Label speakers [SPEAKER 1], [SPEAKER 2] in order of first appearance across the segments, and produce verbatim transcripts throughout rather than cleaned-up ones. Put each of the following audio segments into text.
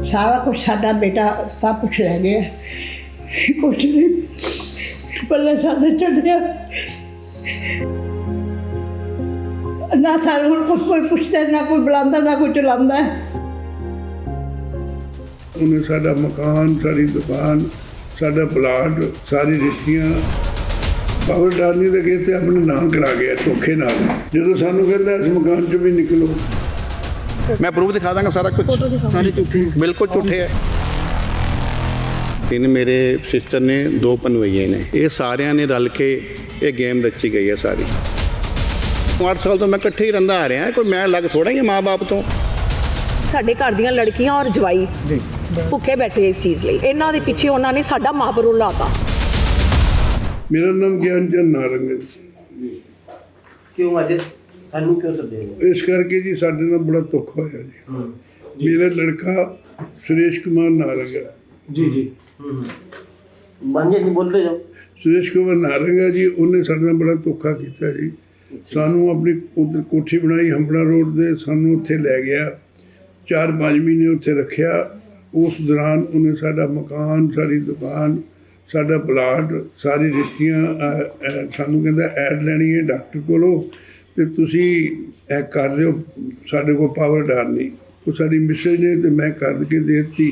[SPEAKER 1] सारा कुछ साडा बेटा सब कुछ लै गया, कुछ नहीं पल्ले साडे छड्डिया ना। सानू हुण कुछ कोई पुछदा ना कोई बुलांदा ना कोई चलांदा।
[SPEAKER 2] उन्हें साडा मकान, सारी दुकान, साडा प्लाट, सारी रिश्तियाँ पावर डालनी तो कहते अपने नाम करा गया धोखे नाल। जो सानू कहता इस मकान चो भी निकलो,
[SPEAKER 3] मैं प्रूफ दिखा दांगा सारा कुछ, सारे झूठे, बिल्कुल झूठे है। तीन मेरे सिस्टर ने, दो पनवैये ने, ये सारिया ने रल के ये गेम रची गई है सारी। आठ साल तो मैं इकट्ठे ही रहा आ रहा, कोई मैं अलग थोड़ा ही माँ बाप तो।
[SPEAKER 4] ਸਾਡੇ ਘਰ ਦੀਆਂ ਲੜਕੀਆਂ ਔਰ ਜਵਾਈ ਭੁੱਖੇ ਬੈਠੇ ਇਸ ਚੀਜ਼ ਲਈ, ਇਹਨਾਂ ਦੇ ਪਿੱਛੇ ਉਹਨਾਂ ਨੇ ਸਾਡਾ ਮਾਪਰੂ ਲਾਤਾ।
[SPEAKER 2] मेरा नाम ज्ञान चंद नारंग है जी।
[SPEAKER 5] क्यों अज सानू क्यों सदे?
[SPEAKER 2] इस करके जी साडे नाल बड़ा दुख होया जी। मेरा लड़का सुरेश कुमार नारंग है
[SPEAKER 5] जी जी मांझे नहीं बोलते जाओ।
[SPEAKER 2] सुरेश कुमार नारंग है जी, उन्हें साडे नाल बड़ा धोखा किया जी। सानू अपनी उधर कोठी बनाई हंबड़ा रोड से, सानू उत्थे लै गया, चार पाँच महीने उत्थे रखिया। उस दौरान उन्हें साडा मकान, सारी दुकान, साडा प्लाट, सारी रिश्तियाँ सानू कहता ऐड लैनी है डॉक्टर कोलों ते तुसी ऐ कर दिओ, साडे कोल पावर डार नहीं। वो साडी मिसेज ने ते मैं कर के दे दी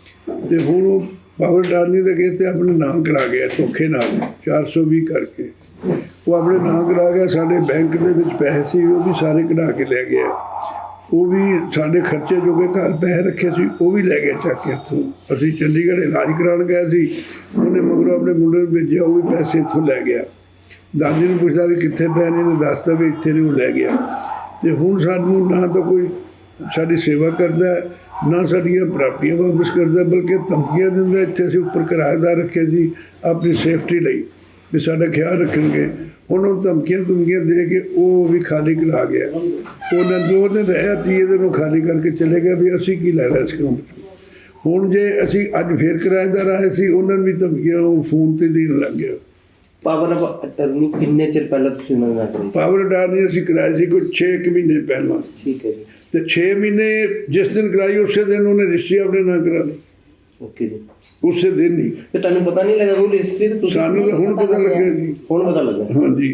[SPEAKER 2] ते हुण वो पावर डारनी तो कहते अपने नाम करा गया धोखे नाल चार सौ भी करके। वो अपने नाम करा गया, साडे बैंक दे विच पैसे सी वो भी सारे कढ़ा के लै गया। वो भी साढ़े खर्चे जो कि घर पैसे रखे सी वो भी लै गए चक के इत्थों। असीं चंडीगढ़ इलाज कराउण गए सी, उन्हें मगरों अपने मुंडे नूं भेजिया, वो भी पैसे इत्थों लै गया। दादी नूं पुछदा भी कित्थे पए ने, इन्हें दसदा भी इत्थे ने, वो लै गया। ते हुण सानूं ना तो कोई साडी सेवा करदा है, ना साडियां प्रापर्टियां वापस करदा, बल्कि धमकियां दिंदा। इत्थे असीं उपर किराएदार रखे सी अपनी सेफ्टी लई भी साडा ख्याल रखणगे। हुण वो धमकियां धमकियां दे के वो भी खाली करा गया। उन्हें दो दिन रहा, तीए दिन वो खाली करके चले गए भी असीं की लैणा इस काम चों। हुण जे असीं अज फिर किराएदार आए सी, उन्होंने भी धमकियां वो फोन ते देण लग गया।
[SPEAKER 5] पावर ऑफ अटर्नी किन्ने चिर पहले तुसीं उन्हां नाल कराई?
[SPEAKER 2] पावर अटर्नी असीं कराई सी कोई छे क महीने पहला।
[SPEAKER 5] ठीक है जी।
[SPEAKER 2] ते छे महीने जिस दिन कराई उस दिन उन्हें रजिस्ट्री अपने नाम करा ली,
[SPEAKER 5] ओके जी।
[SPEAKER 2] उस दिन ही।
[SPEAKER 5] ते तुहानूं पता नहीं लगा कोई रजिस्ट्री? ते तुसीं
[SPEAKER 2] सानूं तो हुण पता लग्या जी।
[SPEAKER 5] हुण पता लगा?
[SPEAKER 2] हाँ जी,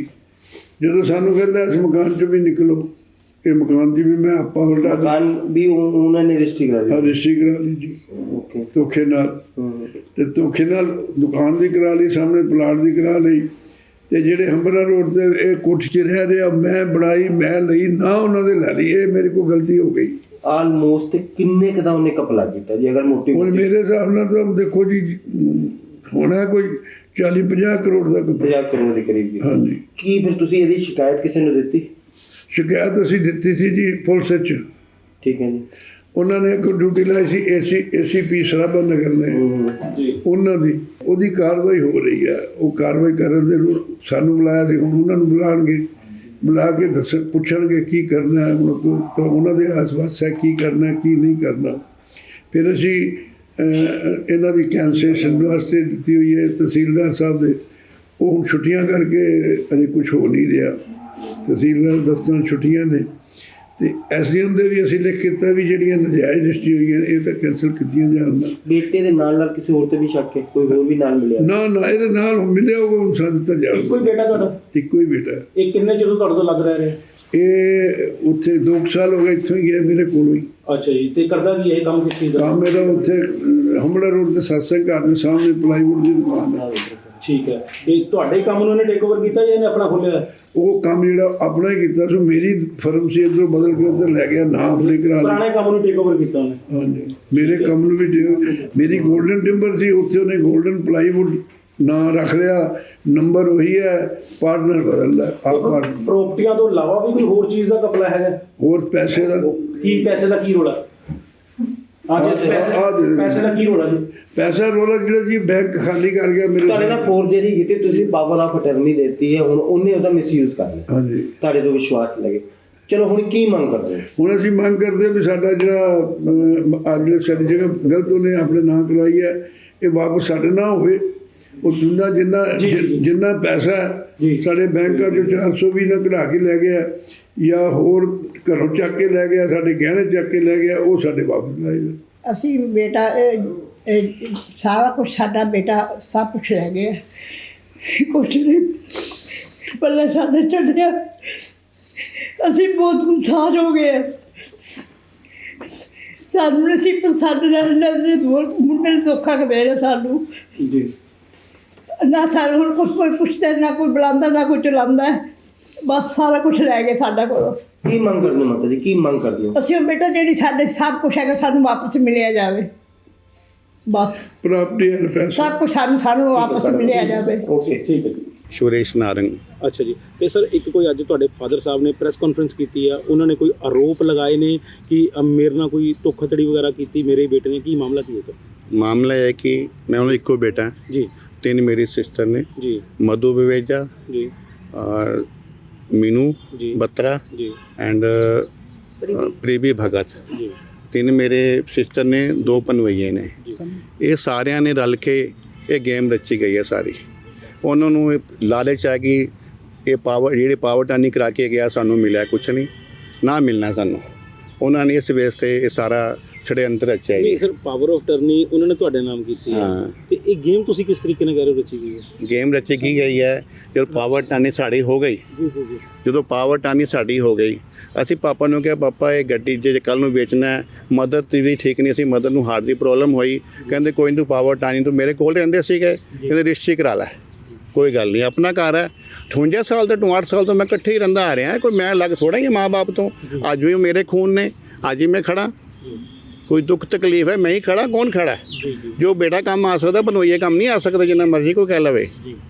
[SPEAKER 2] जो सानू कहता इस मकान चो भी निकलो, ये मकान की भी मैं आप पावर डाल
[SPEAKER 5] मकान भी उ- उन्होंने रजिस्ट्री करा दी?
[SPEAKER 2] रजिस्ट्री करा ली जी
[SPEAKER 5] ओके।
[SPEAKER 2] धोखे नाल। ते धोखे नाल दुकान की करा ली, सामने प्लाट की करा ली। ते जेडे हंबरा रोड से ये कोठी च रह रहा, मैं बनाई, मैं लई ना, उन्होंने लै ली। ये मेरे को गलती हो गई।
[SPEAKER 5] आलमोस्ट किन्ने क दा उन्हें कपला कीता जी? अगर मोटी
[SPEAKER 2] हुण मेरे हिसाब नाल तो देखो जी होना कोई चाली पचास करोड़ का कपड़ा।
[SPEAKER 5] पचास करोड़ के करीब।
[SPEAKER 2] हाँ जी।
[SPEAKER 5] की फिर तुसीं इहदी शिकायत किसी ने दित्ती?
[SPEAKER 2] शिकायत असीं दित्ती सी जी पुलिस च।
[SPEAKER 5] ठीक है जी।
[SPEAKER 2] उन्होंने एक ड्यूटी लाई सी A C A C P Sarabha Nagar ने, उन्हों दी ਉਹਦੀ कार्रवाई हो रही है। वो कार्रवाई ਕਰਨ ਦੇ ਨੂੰ ਸਾਨੂੰ ਬੁਲਾਇਆ ਸੀ, ਹੁਣ ਉਹਨਾਂ ਨੂੰ ਬੁਲਾਣਗੇ, ਬੁਲਾ ਕੇ ਦੱਸ ਪੁੱਛਣਗੇ ਕੀ ਕਰਨਾ ਹੈ। ਹੁਣ ਕੋ ਤਾਂ ਉਹਨਾਂ ਦੇ ਆਸ-ਪਾਸ ਹੈ ਕੀ ਕਰਨਾ ਕੀ ਨਹੀਂ ਕਰਨਾ। ਫਿਰ ਅਸੀਂ ਇਹਨਾਂ ਦੀ ਕੈਂਸਲੇਸ਼ਨ ਵਾਸਤੇ ਦਿੱਤੀ ਹੋਈ ਹੈ ਤਹਿਸੀਲਦਾਰ ਸਾਹਿਬ ਦੇ। ਉਹ ਹੁਣ ਛੁੱਟੀਆਂ ਕਰਕੇ ਅਜੇ ਕੁਛ ਹੋ ਨਹੀਂ ਰਿਹਾ। ਤਹਿਸੀਲਦਾਰ ਦਫ਼ਤਰਾਂ ਛੁੱਟੀਆਂ ਨੇ ਤੇ ਐਸ ਡੀ ਐਮ ਦੇ ਵੀ ਅਸੀਂ ਲਿਖ ਕੀਤਾ ਵੀ ਜਿਹੜੀਆਂ ਨਜਾਇਜ਼ ਰਜਿਸਟਰੀ ਹੋਈਆਂ ਇਹ ਤਾਂ ਕੈਂਸਲ ਕੀਤੀਆਂ ਜਾਣ।
[SPEAKER 5] ਬੇਟੇ ਦੇ ਨਾਲ ਨਾਲ ਕਿਸੇ ਹੋਰ ਤੇ ਵੀ ਸ਼ੱਕ ਹੈ? ਕੋਈ ਹੋਰ ਵੀ ਨਾਲ ਮਿਲਿਆ?
[SPEAKER 2] ਨਾ ਨਾ ਇਹਦੇ ਨਾਲ ਮਿਲਿਆ ਹੋਊਗਾ, ਹੁਣ ਸਾਨੂੰ ਤਾਂ ਜਾਣ।
[SPEAKER 6] ਇੱਕੋ ਹੀ ਬੇਟਾ ਤੁਹਾਡਾ?
[SPEAKER 2] ਇੱਕੋ ਹੀ ਬੇਟਾ।
[SPEAKER 6] ਇਹ ਕਿੰਨੇ ਚਿਰ ਤੋਂ ਤੁਹਾਡੇ ਤੋਂ ਲੱਗ ਰਿਹਾ?
[SPEAKER 2] ਇਹ ਉੱਥੇ ਦੋ ਕੁ ਸਾਲ ਹੋ ਗਏ, ਇੱਥੋਂ ਹੀ ਗਿਆ ਮੇਰੇ ਕੋਲੋਂ ਹੀ।
[SPEAKER 6] ਅੱਛਾ ਜੀ। ਤੇ ਕਰਦਾ ਕੀ ਹੈ ਇਹ ਕੰਮ? ਕਿਸ ਚੀਜ਼ ਦਾ
[SPEAKER 2] ਕੰਮ ਮੇਰਾ ਉੱਥੇ ਹੰਬੜਾ ਰੋਡ ਤੇ ਸਤਸੰਗ ਘਰ ਦੇ ਸਾਹਮਣੇ ਪਲਾਈਵੁੱਡ ਦੀ ਦੁਕਾਨ ਹੈ।
[SPEAKER 6] ਠੀਕ ਹੈ। ਇਹ ਤੁਹਾਡੇ ਕੰਮ ਨੂੰ ਇਹਨੇ ਟੇਕ ਓਵਰ ਕੀਤਾ ਜਾਂ ਇਹਨੇ ਆਪਣਾ ਖੋਲਿਆ?
[SPEAKER 2] ਉਹ ਕੰਮ ਜਿਹੜਾ ਆਪਣਾ ਹੀ ਕੀਤਾ ਸੀ, ਮੇਰੀ ਫਰਮ ਸੀ, ਇੱਧਰੋਂ ਬਦਲ ਕੇ ਉੱਧਰ ਲੈ ਗਿਆ, ਨਾ ਆਪਣੇ ਕਰਾ ਲਿਆ।
[SPEAKER 6] ਪੁਰਾਣੇ ਕੰਮ ਨੂੰ ਟੇਕ ਓਵਰ ਕੀਤਾ ਉਹਨੇ?
[SPEAKER 2] ਹਾਂਜੀ, ਮੇਰੇ ਕੰਮ ਨੂੰ ਵੀ ਦੇ- ਮੇਰੀ ਗੋਲਡਨ ਟਿੰਬਰ ਸੀ, ਉੱਥੇ ਉਹਨੇ ਗੋਲਡਨ ਪਲਾਈਵੁੱਡ ਨਾਂ ਰੱਖ ਲਿਆ, ਨੰਬਰ ਉਹੀ ਹੈ, ਪਾਰਟਨਰ ਬਦਲ ਲਿਆ। ਆਪ ਪਾਰਟਨਰ
[SPEAKER 6] ਪ੍ਰੋਪਰਟੀਆਂ ਤੋਂ ਇਲਾਵਾ ਵੀ ਕੋਈ ਹੋਰ ਚੀਜ਼ ਦਾ ਕਪਲਾ ਹੈਗਾ?
[SPEAKER 2] ਹੋਰ ਪੈਸੇ ਦਾ
[SPEAKER 6] ਕੀ ਪੈਸੇ ਦਾ ਕੀ ਰੋਲਾ?
[SPEAKER 2] ਆਹ ਦੇ ਦੇ।
[SPEAKER 6] ਪੈਸੇ ਦਾ ਕੀ ਰੋਲਾ ਜੀ?
[SPEAKER 2] ਪੈਸਾ ਰੋਲਾ ਜਿਹੜਾ ਜੀ ਬੈਂਕ ਖਾਲੀ ਕਰ ਗਿਆ ਮੇਰੇ।
[SPEAKER 5] ਤੁਹਾਡੇ ਨਾਲ ਫੋਰਜਰੀ ਕੀਤੀ, ਤੁਸੀਂ ਪਾਵਰ ਆਫ ਅਟਰਨੀ ਦਿੱਤੀ ਹੈ, ਹੁਣ ਉਹਨੇ ਉਹਦਾ ਮਿਸਯੂਜ਼ ਕਰ ਲਿਆ।
[SPEAKER 2] ਹਾਂਜੀ।
[SPEAKER 5] ਤੁਹਾਡੇ ਤੋਂ ਵਿਸ਼ਵਾਸ ਲੱਗੇ। ਚਲੋ ਹੁਣ ਕੀ ਮੰਗ ਕਰਦੇ ਹੋ?
[SPEAKER 2] ਹੁਣ ਅਸੀਂ ਮੰਗ ਕਰਦੇ ਵੀ ਸਾਡਾ ਜਿਹੜਾ ਅੱਜ ਸਾਡੀ ਜਗ੍ਹਾ ਗਲਤ ਉਹਨੇ ਆਪਣੇ ਨਾਂ ਕਰਵਾਈ ਹੈ, ਇਹ ਵਾਪਸ ਸਾਡੇ ਨਾ ਹੋਵੇ। ਉਹ ਜਿੰਨਾ ਜਿੰਨਾ ਜਿੰਨਾ ਪੈਸਾ ਸਾਡੇ ਬੈਂਕਾਂ 'ਚੋਂ ਚਾਰ ਸੌ ਵੀ ਨਾ ਕਢਾ ਕੇ ਲੈ ਗਿਆ, ਜਾਂ ਹੋਰ ਘਰੋਂ ਚੱਕ ਕੇ ਲੈ ਗਿਆ, ਸਾਡੇ ਗਹਿਣੇ ਚੱਕ ਕੇ ਲੈ ਗਿਆ, ਉਹ ਸਾਡੇ ਵਾਪਸ ਲਾਏ ਨੇ।
[SPEAKER 1] ਅਸੀਂ ਬੇਟਾ ਇਹ- ਇਹ ਸਾਰਾ ਕੁਝ ਸਾਡਾ ਬੇਟਾ ਸਭ ਕੁਝ ਲੈ ਗਿਆ, ਕੁਛ ਨਹੀਂ ਪੱਲੇ ਸਾਡੇ ਛੱਡਿਆ। ਅਸੀਂ ਬਹੁਤ ਮੁਤਾਜ ਹੋ ਗਏ ਹਾਂ। ਸਾਨੂੰ ਅਸੀਂ ਸਾਡੇ ਨਾਲ ਨਜ਼ਰ ਮੁੰਡੇ ਨੇ ਧੋਖਾ ਕਰ ਦੇਣਾ ਸਾਨੂੰ
[SPEAKER 6] ਜੀ
[SPEAKER 1] ਨਾ। ਸਾਨੂੰ ਹੁਣ ਕੁਛ ਕੋਈ ਪੁੱਛਦਾ ਨਾ ਕੋਈ ਬੁਲਾਉਂਦਾ ਨਾ ਕੋਈ ਚਲਾਉਂਦਾ, ਬਸ ਸਾਰਾ ਕੁਝ ਲੈ ਗਏ ਸਾਡਾ ਕੋਲੋਂ।
[SPEAKER 5] ਕੀ ਮੰਗ ਕਰਦੇ ਹੋ ਮਾਤਾ ਜੀ, ਕੀ ਮੰਗ ਕਰਦੇ ਹੋ?
[SPEAKER 1] ਅਸੀਂ ਬੇਟਾ ਜਿਹੜੀ ਸਾਡੇ ਸਭ ਕੁਝ ਹੈਗਾ ਸਾਨੂੰ ਵਾਪਸ ਮਿਲਿਆ ਜਾਵੇ, ਬਸ
[SPEAKER 2] ਪ੍ਰਾਪਰਟੀ ਐਂਡ ਪੈਸਾ
[SPEAKER 1] ਸਭ ਕੁਝ ਸਾਨੂੰ ਸਾਨੂੰ ਵਾਪਸ ਮਿਲਿਆ ਜਾਵੇ।
[SPEAKER 6] ਓਕੇ ਠੀਕ ਹੈ ਜੀ।
[SPEAKER 3] ਸੁਰੇਸ਼ ਨਾਰੰਗ।
[SPEAKER 6] ਅੱਛਾ ਜੀ, ਤੇ ਸਰ ਇੱਕ ਕੋਈ ਅੱਜ ਤੁਹਾਡੇ ਫਾਦਰ ਸਾਹਿਬ ਨੇ ਪ੍ਰੈਸ ਕਾਨਫਰੰਸ ਕੀਤੀ ਆ, ਉਹਨਾਂ ਨੇ ਕੋਈ ਆਰੋਪ ਲਗਾਏ ਨੇ ਕਿ ਅ, ਮੇਰੇ ਨਾਲ ਕੋਈ ਧੋਖਾਧੜੀ ਵਗੈਰਾ ਕੀਤੀ ਮੇਰੇ ਬੇਟੇ ਨੇ, ਕੀ ਮਾਮਲਾ ਕੀ ਹੈ ਸਰ?
[SPEAKER 3] ਮਾਮਲਾ ਇਹ ਹੈ ਕਿ ਮੈਂ ਉਹਨਾਂ ਦਾ ਇੱਕੋ ਬੇਟਾ,
[SPEAKER 6] ਜੀ
[SPEAKER 3] ਤਿੰਨ ਮੇਰੀ ਸਿਸਟਰ ਨੇ,
[SPEAKER 6] ਜੀ
[SPEAKER 3] ਮਧੂ ਵਿਵੇਜਾ
[SPEAKER 6] ਜੀ
[SPEAKER 3] ਔਰ ਮੀਨੂ
[SPEAKER 6] ਜੀ
[SPEAKER 3] ਬੱਤਰਾ
[SPEAKER 6] ਜੀ
[SPEAKER 3] ਐਂਡ ਪ੍ਰੀਵੀ ਭਗਤ।
[SPEAKER 6] ਜੀ
[SPEAKER 3] ਤਿੰਨ ਮੇਰੇ ਸਿਸਟਰ ਨੇ, ਦੋ ਪਨਵਈਏ ਨੇ।
[SPEAKER 6] ਜੀ
[SPEAKER 3] ਇਹ ਸਾਰਿਆਂ ਨੇ ਰਲ ਕੇ ਇਹ ਗੇਮ ਰਚੀ ਗਈ ਹੈ ਸਾਰੀ। ਉਹਨਾਂ ਨੂੰ ਇਹ ਲਾਲਚ ਹੈ ਕਿ ਇਹ ਪਾਵਰ ਜਿਹੜੇ ਪਾਵਰ ਟਾਨੀ ਕਰਾ ਕੇ ਗਿਆ ਸਾਨੂੰ ਮਿਲਿਆ ਕੁਛ ਨਹੀਂ, ਨਾ ਮਿਲਣਾ ਸਾਨੂੰ। ਉਹਨਾਂ ਨੇ ਇਸ ਵੇਸ ਤੇ ਇਹ ਸਾਰਾ ਛੜਯੰਤਰ ਰਚਿਆ
[SPEAKER 6] ਜੀ
[SPEAKER 3] ਜੀ।
[SPEAKER 6] ਸਰ, ਪਾਵਰ ਆਫ ਟਰਨੀ ਉਹਨਾਂ ਨੇ ਤੁਹਾਡੇ ਨਾਮ ਕੀਤੀ ਹੈ,
[SPEAKER 3] ਹਾਂ।
[SPEAKER 6] ਤੇ ਇਹ ਗੇਮ ਤੁਸੀਂ ਕਿਸ ਤਰੀਕੇ ਨਾਲ ਕਹਿ ਰਹੇ ਹੋ ਰਚੀ ਗਈ ਹੈ?
[SPEAKER 3] ਗੇਮ ਰਚੀ ਕੀ ਗਈ ਹੈ ਜਦੋਂ ਪਾਵਰ ਟਾਨੀ ਸਾਡੀ ਹੋ ਗਈ।
[SPEAKER 6] ਜੀ ਜੀ ਜੀ
[SPEAKER 3] ਜਦੋਂ ਪਾਵਰ ਟਾਨੀ ਸਾਡੀ ਹੋ ਗਈ, ਅਸੀਂ ਪਾਪਾ ਨੂੰ ਕਿਹਾ ਪਾਪਾ ਇਹ ਗੱਡੀ ਜੇ ਕੱਲ ਨੂੰ ਵੇਚਣਾ ਹੈ, ਮਦਰ ਦੀ ਵੀ ਠੀਕ ਨਹੀਂ ਸੀ, ਮਦਰ ਨੂੰ ਹਾਰਟ ਦੀ ਪ੍ਰੋਬਲਮ ਹੋਈ। ਕਹਿੰਦੇ ਕੋਈ ਨਹੀਂ ਤੂੰ ਪਾਵਰ ਟਾਨੀ ਤੂੰ ਮੇਰੇ ਕੋਲ ਰਹਿੰਦੇ ਸੀਗੇ, ਕਹਿੰਦੇ ਰਜਿਸਟਰੀ ਕਰਾ ਲੈ, ਕੋਈ ਗੱਲ ਨਹੀਂ ਆਪਣਾ ਘਰ ਹੈ। ਅਠਵੰਜਾ ਸਾਲ ਤੋਂ ਅਠਾਹਠ ਸਾਲ ਤੋਂ ਮੈਂ ਇਕੱਠੇ ਹੀ ਰਹਿੰਦਾ ਆ ਰਿਹਾ, ਕੋਈ ਮੈਂ ਅਲੱਗ ਥੋੜ੍ਹਾ ਹੀ ਮਾਂ ਬਾਪ ਤੋਂ। ਅੱਜ ਵੀ ਉਹ ਮੇਰੇ ਖੂਨ ਨੇ, ਅੱਜ ਹੀ ਮੈਂ ਖੜਾ। ਕੋਈ ਦੁੱਖ ਤਕਲੀਫ ਹੈ ਮੈਂ ਹੀ ਖੜਾ, ਕੌਣ ਖੜਾ? ਜੋ ਬੇਟਾ ਕੰਮ ਆ ਸਕਦਾ ਬਨੋਈਏ ਕੰਮ ਨਹੀਂ ਆ ਸਕਦਾ, ਜਿੰਨਾ ਮਰਜ਼ੀ ਕੋਈ ਕਹਿ ਲਵੇ,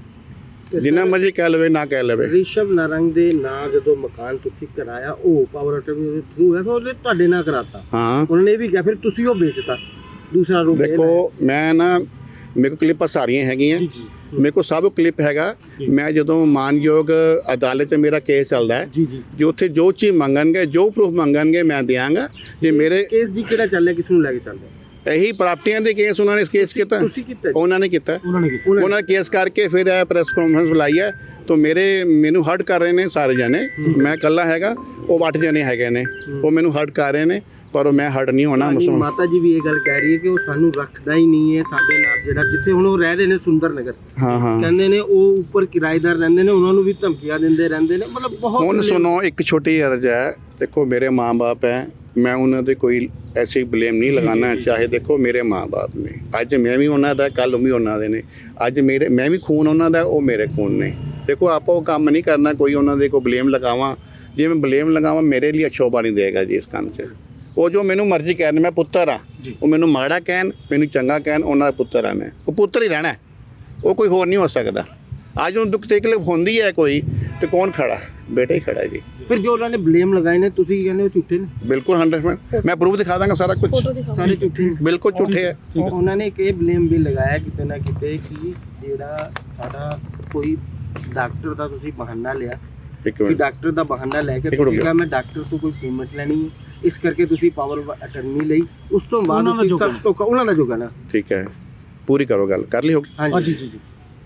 [SPEAKER 3] ਜਿੰਨਾ ਮਰਜ਼ੀ ਕਹਿ ਲਵੇ ਨਾ ਕਹਿ ਲਵੇ।
[SPEAKER 5] ਰਿਸ਼ਵ ਨਾਰੰਗ ਦੇ ਨਾਂ ਜਦੋਂ ਮਕਾਨ ਤੁਸੀਂ ਕਰਾਇਆ, ਉਹ ਪਾਵਰ ਆਟੋਮੀ ਦੇ ਥਰੂ ਹੈ, ਫਿਰ ਉਹਨੇ ਤੁਹਾਡੇ ਨਾਂ ਕਰਾਤਾ।
[SPEAKER 3] ਹਾਂ
[SPEAKER 5] ਉਹਨਾਂ ਨੇ ਇਹ ਵੀ ਕਿਹਾ ਫਿਰ ਤੁਸੀਂ ਉਹ ਵੇਚਤਾ, ਦੂਸਰਾ ਰੂਪ ਇਹ
[SPEAKER 3] ਦੇਖੋ ਮੈਂ ਨਾ, ਮੇਰੇ ਕੋਲ ਕਲਿੱਪਾਂ ਸਾਰੀਆਂ ਹੈਗੀਆਂ, ਮੇਰੇ ਕੋਲ ਸਭ ਕਲਿੱਪ ਹੈਗਾ। ਮੈਂ ਜਦੋਂ ਮਾਨਯੋਗ ਅਦਾਲਤ 'ਚ ਮੇਰਾ ਕੇਸ ਚੱਲਦਾ ਹੈ,
[SPEAKER 5] ਜੀ ਜੀ
[SPEAKER 3] ਜੋ ਉੱਥੇ ਜੋ ਚੀਜ਼ ਮੰਗਣਗੇ, ਜੋ ਪ੍ਰੂਫ ਮੰਗਣਗੇ ਮੈਂ ਦਿਆਂਗਾ। ਜੇ ਮੇਰੇ
[SPEAKER 5] ਕੇਸ ਦੀ ਕਿਹੜਾ ਚੱਲ ਰਿਹਾ, ਕਿਸ ਨੂੰ ਲੈ ਕੇ ਚੱਲ ਰਿਹਾ?
[SPEAKER 3] ਇਹੀ ਪ੍ਰਾਪਤੀਆਂ ਦੇ ਕੇਸ ਉਹਨਾਂ ਨੇ ਕੇਸ ਕੀਤਾ,
[SPEAKER 5] ਤੁਸੀਂ ਕੀਤਾ ਜੀ?
[SPEAKER 3] ਉਹਨਾਂ ਨੇ ਕੀਤਾ।
[SPEAKER 6] ਉਹਨਾਂ ਨੇ ਕੀਤਾ।
[SPEAKER 3] ਉਹਨਾਂ ਨੇ ਕੇਸ ਕਰਕੇ ਫਿਰ ਇਹ ਪ੍ਰੈਸ ਕਾਨਫਰੰਸ ਬੁਲਾਈ ਹੈ। ਤਾਂ ਮੇਰੇ ਮੈਨੂੰ ਹਰਟ ਕਰ ਰਹੇ ਨੇ ਸਾਰੇ ਜਣੇ, ਮੈਂ ਇਕੱਲਾ ਹੈਗਾ, ਉਹ ਅੱਠ ਜਣੇ ਹੈਗੇ ਨੇ, ਉਹ ਮੈਨੂੰ ਹਰਟ ਕਰ ਰਹੇ ਨੇ, ਪਰ ਉਹ ਮੈਂ ਹਰਟ ਨਹੀਂ ਹੋਣਾ।
[SPEAKER 5] ਹਾਂਜੀ,
[SPEAKER 3] ਮੁਸਲਮਾਨ
[SPEAKER 5] ਮਾਤਾ ਜੀ ਵੀ ਇਹ ਗੱਲ ਕਹਿ ਰਹੀ ਹੈ ਕਿ ਉਹ ਸਾਨੂੰ ਰੱਖਦਾ ਹੀ ਨਹੀਂ ਹੈ ਸਾਡੇ ਨਾਲ, ਜਿਹੜਾ ਜਿੱਥੇ ਹੁਣ ਉਹ ਰਹਿ ਰਹੇ ਨੇ ਸੁੰਦਰ ਨਗਰ,
[SPEAKER 3] ਹਾਂ ਹਾਂ
[SPEAKER 5] ਕਹਿੰਦੇ ਨੇ ਉਹ ਉੱਪਰ ਕਿਰਾਏਦਾਰ ਰਹਿੰਦੇ ਨੇ, ਉਹਨਾਂ ਨੂੰ ਵੀ ਧਮਕੀਆਂ ਦਿੰਦੇ ਰਹਿੰਦੇ ਨੇ, ਮਤਲਬ ਬਹੁਤ।
[SPEAKER 3] ਹੁਣ ਸੁਣੋ, ਇੱਕ ਛੋਟੀ ਅਰਜ਼ ਹੈ, ਦੇਖੋ ਮੇਰੇ ਮਾਂ-ਬਾਪ ਹੈ, ਮੈਂ ਉਹਨਾਂ ਦੇ ਕੋਈ ਐਸੀ ਬਲੇਮ ਨਹੀਂ ਲਗਾਉਣਾ। ਚਾਹੇ ਦੇਖੋ ਮੇਰੇ ਮਾਂ-ਬਾਪ ਨੇ, ਅੱਜ ਮੈਂ ਵੀ ਉਹਨਾਂ ਦਾ, ਕੱਲ੍ਹ ਵੀ ਉਹਨਾਂ ਦੇ ਨੇ, ਅੱਜ ਮੇਰੇ ਮੈਂ ਵੀ ਖੂਨ ਉਹਨਾਂ ਦਾ, ਉਹ ਮੇਰੇ ਖੂਨ ਨੇ। ਦੇਖੋ ਆਪਾਂ ਉਹ ਕੰਮ ਨਹੀਂ ਕਰਨਾ ਕੋਈ ਉਹਨਾਂ ਦੇ ਕੋਈ ਬਲੇਮ ਲਗਾਵਾਂ। ਜੇ ਮੈਂ ਬਲੇਮ ਲਗਾਵਾਂ ਮੇਰੇ ਲਈ ਸ਼ੋਭਾ ਨਹੀਂ ਦੇਗਾ ਜੀ ਇਸ ਕੰਮ 'ਚ। ਉਹ ਜੋ ਮੈਨੂੰ ਮਰਜ਼ੀ ਕਹਿਣ, ਮੈਂ ਪੁੱਤਰ ਆ, ਉਹ ਮੈਨੂੰ ਮਾੜਾ ਕਹਿਣ ਮੈਨੂੰ ਚੰਗਾ ਕਹਿਣ, ਉਹਨਾਂ ਦਾ ਪੁੱਤਰ ਆ, ਮੈਂ ਉਹ ਪੁੱਤਰ ਹੀ ਰਹਿਣਾ, ਉਹ ਕੋਈ ਹੋਰ ਨਹੀਂ ਹੋ ਸਕਦਾ। ਅੱਜ ਉਹ ਦੁੱਖ ਤਕਲੀਫ ਹੁੰਦੀ ਹੈ ਕੋਈ, ਤੇ ਕੌਣ ਖੜਾ? ਬੇਟਾ ਹੀ ਖੜਾ ਜੀ।
[SPEAKER 5] ਫਿਰ ਜੋ ਉਹਨਾਂ ਨੇ ਬਲੇਮ ਲਗਾਏ ਨੇ, ਤੁਸੀਂ ਕੀ ਕਹਿੰਦੇ ਹੋ ਝੂਠੇ ਨੇ?
[SPEAKER 3] ਬਿਲਕੁਲ ਹੰਡਰਡ ਪਰਸੈਂਟ ਮੈਂ ਪ੍ਰੂਫ ਦਿਖਾ ਦਾਂਗਾ ਸਾਰਾ ਕੁਝ,
[SPEAKER 5] ਸਾਰੇ ਝੂਠੇ ਨੇ।
[SPEAKER 3] ਬਿਲਕੁਲ ਝੂਠੇ ਹੈ।
[SPEAKER 5] ਉਹਨਾਂ ਨੇ ਇੱਕ ਇਹ ਬਲੇਮ ਵੀ ਲਗਾਇਆ ਕਿਤੇ ਨਾ ਕਿਤੇ ਕਿ ਜਿਹੜਾ ਸਾਡਾ ਕੋਈ ਡਾਕਟਰ ਦਾ ਤੁਸੀਂ ਬਹਾਨਾ ਲਿਆ,
[SPEAKER 3] ਇੱਕ
[SPEAKER 5] ਕਿ
[SPEAKER 3] ਮਿੰਟ,
[SPEAKER 5] ਡਾਕਟਰ ਦਾ ਬਹਾਨਾ ਲੈ ਕੇ
[SPEAKER 3] ਇੱਕ
[SPEAKER 5] ਤੁਸੀਂ
[SPEAKER 3] ਮਿੰਟ।
[SPEAKER 5] ਕਿਹਾ ਮੈਂ ਡਾਕਟਰ ਤੋਂ ਕੋਈ ਪੇਮੈਂਟ ਲੈਣੀ ਹੈ, ਇਸ ਕਰਕੇ ਤੁਸੀਂ ਪਾਵਰ ਅਟਰਨੀ ਲਈ। ਉਸ ਤੋਂ ਬਾਅਦ ਤੁਸੀਂ ਸਭ ਧੋਖਾ ਉਹਨਾਂ ਦਾ ਜੋਗਾ ਨਾ।
[SPEAKER 3] ਠੀਕ ਹੈ, ਪੂਰੀ ਕਰੋ ਗੱਲ, ਕਰ ਲਈ ਹੋਗੀ।
[SPEAKER 5] ਹਾਂਜੀ ਜੀ ਜੀ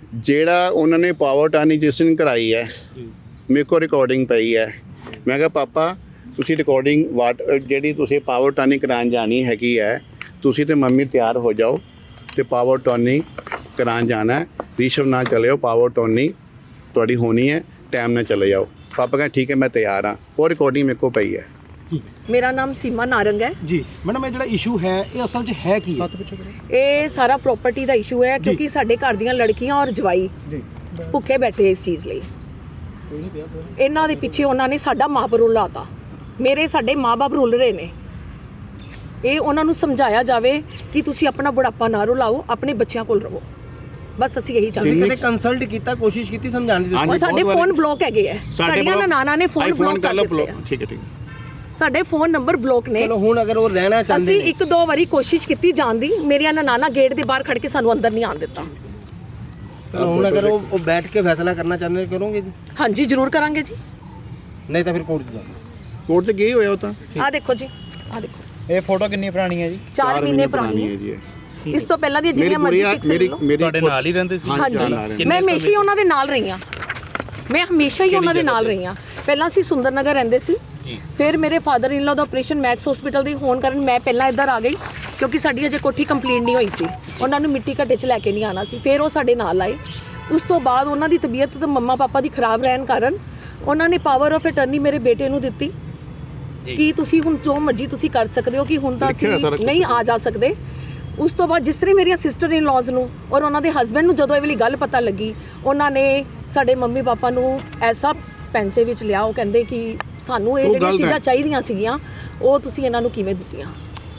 [SPEAKER 3] ਜਿਹੜਾ ਉਹਨਾਂ ਨੇ ਪਾਵਰ ਟਾਨੀ ਜਿਸ ਦਿਨ ਕਰਾਈ ਹੈ, ਮੇਰੇ ਕੋਲ ਰਿਕਾਰਡਿੰਗ ਪਈ ਹੈ। ਮੈਂ ਕਿਹਾ ਪਾਪਾ ਤੁਸੀਂ ਰਿਕਾਰਡਿੰਗ ਵਾਟ ਜਿਹੜੀ ਤੁਸੀਂ ਪਾਵਰ ਟਾਨੀ ਕਰਾਉਣ ਜਾਣੀ ਹੈਗੀ ਹੈ, ਤੁਸੀਂ ਤੇ ਮੰਮੀ ਤਿਆਰ ਹੋ ਜਾਓ ਤੇ ਪਾਵਰ ਟਾਨੀ ਕਰਾਉਣ ਜਾਣਾ। ਰਿਸ਼ਵ ਨਾ ਚਲਿਓ, ਪਾਵਰ ਟਾਨੀ ਤੁਹਾਡੀ ਹੋਣੀ ਹੈ, ਟਾਈਮ ਨਾਲ ਚਲੇ ਜਾਓ। ਪਾਪਾ ਕਹਿੰਦੇ ਠੀਕ ਹੈ ਮੈਂ ਤਿਆਰ ਹਾਂ। ਉਹ ਰਿਕਾਰਡਿੰਗ ਮੇਰੇ ਕੋਲ ਪਈ ਹੈ।
[SPEAKER 4] ਮੇਰਾ ਨਾਮ ਸੀਮਾ ਨਾਰੰਗ ਹੈ
[SPEAKER 6] ਜੀ ਮੈਡਮ, ਇਹ ਜਿਹੜਾ ਇਸ਼ੂ ਹੈ ਇਹ ਅਸਲ 'ਚ ਹੈ ਕੀ ਹੈ?
[SPEAKER 4] ਇਹ ਸਾਰਾ ਪ੍ਰਾਪਰਟੀ ਦਾ ਇਸ਼ੂ ਹੈ, ਕਿਉਂਕਿ ਸਾਡੇ ਘਰ ਦੀਆਂ ਲੜਕੀਆਂ ਔਰ ਜਵਾਈ ਭੁੱਖੇ ਬੈਠੇ ਇਸ ਚੀਜ਼ ਲਈ। ਇਹਨਾਂ ਦੇ ਪਿੱਛੇ ਉਹਨਾਂ ਨੇ ਸਾਡਾ ਮਾਂ-ਬਾਪ ਰੁਲਾਤਾ, ਮੇਰੇ ਸਾਡੇ ਮਾਂ-ਬਾਪ ਰੁਲ ਰਹੇ ਨੇ। ਇਹ ਉਹਨਾਂ ਨੂੰ ਸਮਝਾਇਆ ਜਾਵੇ ਕਿ ਤੁਸੀਂ ਆਪਣਾ ਬੁਢਾਪਾ ਨਾ ਰੁਲਾਓ, ਆਪਣੇ ਬੱਚਿਆਂ ਕੋਲ ਰਹੋ, ਬਸ ਅਸੀਂ ਇਹੀ ਚਾਹੁੰਦੇ ਹਾਂ।
[SPEAKER 5] ਕਦੇ ਕੰਸਲਟ ਕੀਤਾ, ਕੋਸ਼ਿਸ਼ ਕੀਤੀ ਸਮਝਾਉਣ ਦੀ?
[SPEAKER 4] ਔਰ ਸਾਡੇ ਫੋਨ ਬਲੌਕ ਹੈਗੇ ਹੈ, ਸਾਡੀਆਂ ਨਨਾਣਾ ਨੇ ਫੋਨ ਬਲੌਕ ਕਰ ਦਿੱਤੇ ਆ।
[SPEAKER 3] ਠੀਕ ਹੈ ਠੀਕ ਹੈ,
[SPEAKER 4] ਸਾਡੇ ਫੋਨ ਨੰਬਰ ਬਲੌਕ ਨੇ।
[SPEAKER 5] ਚਲੋ ਹੁਣ ਅਗਰ ਉਹ ਰਹਿਣਾ ਚਾਹੁੰਦੇ
[SPEAKER 4] ਅਸੀਂ
[SPEAKER 5] ਨੇ,
[SPEAKER 4] ਇੱਕ ਦੋ ਵਾਰੀ ਕੋਸ਼ਿਸ਼ ਕੀਤੀ ਜਾਣ ਦੀ, ਮੇਰੀਆਂ ਨਨਾਣਾ ਗੇਟ ਦੇ ਬਾਹਰ ਖੜ ਕੇ ਸਾਨੂੰ ਅੰਦਰ ਨਹੀਂ ਆਉਣ ਦਿੱਤਾ।
[SPEAKER 5] ਚਲੋ ਹੁਣ ਅਗਰ ਉਹ ਉਹ ਬੈਠ ਕੇ ਫੈਸਲਾ ਕਰਨਾ ਚਾਹੁੰਦੇ ਨੇ, ਕਰੋਗੇ ਜੀ?
[SPEAKER 4] ਹਾਂਜੀ ਜ਼ਰੂਰ ਕਰਾਂਗੇ ਜੀ।
[SPEAKER 5] ਨਹੀਂ ਤਾਂ ਫਿਰ ਕੋਰਟ 'ਚ ਜਾਓ।
[SPEAKER 3] ਕੋਰਟ 'ਚ ਗਏ ਹੋਇਆ ਉਹ ਤਾਂ।
[SPEAKER 4] ਆਹ ਦੇਖੋ ਜੀ, ਆਹ ਦੇਖੋ,
[SPEAKER 7] ਇਹ ਫੋਟੋ ਕਿੰਨੀ ਪੁਰਾਣੀ ਹੈ ਜੀ?
[SPEAKER 4] ਚਾਰ ਮਹੀਨੇ ਪੁਰਾਣੀ ਹੈ
[SPEAKER 3] ਜੀ।
[SPEAKER 4] ਇਸ ਤੋਂ ਪਹਿਲਾਂ ਦੀਆਂ ਜਿੰਨੀਆਂ ਮਰਜ਼ੀ ਪਿਕਸਲ
[SPEAKER 3] ਮੇਰੀ
[SPEAKER 4] ਲਓ।
[SPEAKER 3] ਮੇਰੀ
[SPEAKER 6] ਤੁਹਾਡੇ ਨਾਲ ਹੀ ਰਹਿੰਦੇ ਸੀ?
[SPEAKER 4] ਹਾਂਜੀ, ਮੈਂ ਹਮੇਸ਼ਾ ਹੀ ਉਹਨਾਂ ਦੇ ਨਾਲ ਰਹੀ ਹਾਂ। ਮੈਂ ਹਮੇਸ਼ਾ ਹੀ ਉਹਨਾਂ ਦੇ ਨਾਲ ਰਹੀ ਹਾਂ। ਪਹਿਲਾਂ ਅਸੀਂ ਸੁੰਦਰ ਨਗਰ ਰਹਿੰਦੇ ਸੀ, ਫਿਰ ਮੇਰੇ ਫਾਦਰ ਇਨ ਲਾ ਦਾ ਆਪਰੇਸ਼ਨ ਮੈਕਸ ਹਸਪੀਟਲ ਦੇ ਹੋਣ ਕਾਰਨ ਮੈਂ ਪਹਿਲਾਂ ਇੱਧਰ ਆ ਗਈ, ਕਿਉਂਕਿ ਸਾਡੀ ਅਜੇ ਕੋਠੀ ਕੰਪਲੀਟ ਨਹੀਂ ਹੋਈ ਸੀ। ਉਹਨਾਂ ਨੂੰ ਮਿੱਟੀ ਘੱਟੇ 'ਚ ਲੈ ਕੇ ਨਹੀਂ ਆਉਣਾ ਸੀ। ਫਿਰ ਉਹ ਸਾਡੇ ਨਾਲ ਆਏ। ਉਸ ਤੋਂ ਬਾਅਦ ਉਹਨਾਂ ਦੀ ਤਬੀਅਤ ਤੇ ਮੰਮਾ ਪਾਪਾ ਦੀ ਖਰਾਬ ਰਹਿਣ ਕਾਰਨ ਉਹਨਾਂ ਨੇ ਪਾਵਰ ਆਫ ਅਟਰਨੀ ਮੇਰੇ ਬੇਟੇ ਨੂੰ ਦਿੱਤੀ ਕਿ ਤੁਸੀਂ ਹੁਣ ਜੋ ਮਰਜ਼ੀ ਤੁਸੀਂ ਕਰ ਸਕਦੇ ਹੋ, ਕਿ ਹੁਣ ਤਾਂ ਅਸੀਂ ਨਹੀਂ ਆ ਜਾ ਸਕਦੇ। ਉਸ ਤੋਂ ਬਾਅਦ ਜਿਸ ਤਰ੍ਹਾਂ ਮੇਰੀਆਂ ਸਿਸਟਰ ਇਨ ਲॉज ਨੂੰ ਔਰ ਉਹਨਾਂ ਦੇ ਹਸਬੈਂਡ ਨੂੰ ਜਦੋਂ ਇਹ ਵਾਲੀ ਗੱਲ ਪਤਾ ਲੱਗੀ, ਉਹਨਾਂ ਨੇ ਸਾਡੇ ਮੰਮੀ ਪਾਪਾ ਨੂੰ ਐਸਾ ਪੈਂਚੇ ਵਿੱਚ ਲਿਆ। ਉਹ ਕਹਿੰਦੇ ਕਿ ਸਾਨੂੰ ਇਹ ਜਿਹੜੀਆਂ ਚੀਜ਼ਾਂ ਚਾਹੀਦੀਆਂ ਸੀਗੀਆਂ ਉਹ ਤੁਸੀਂ ਇਹਨਾਂ ਨੂੰ ਕਿਵੇਂ ਦਿੱਤੀਆਂ।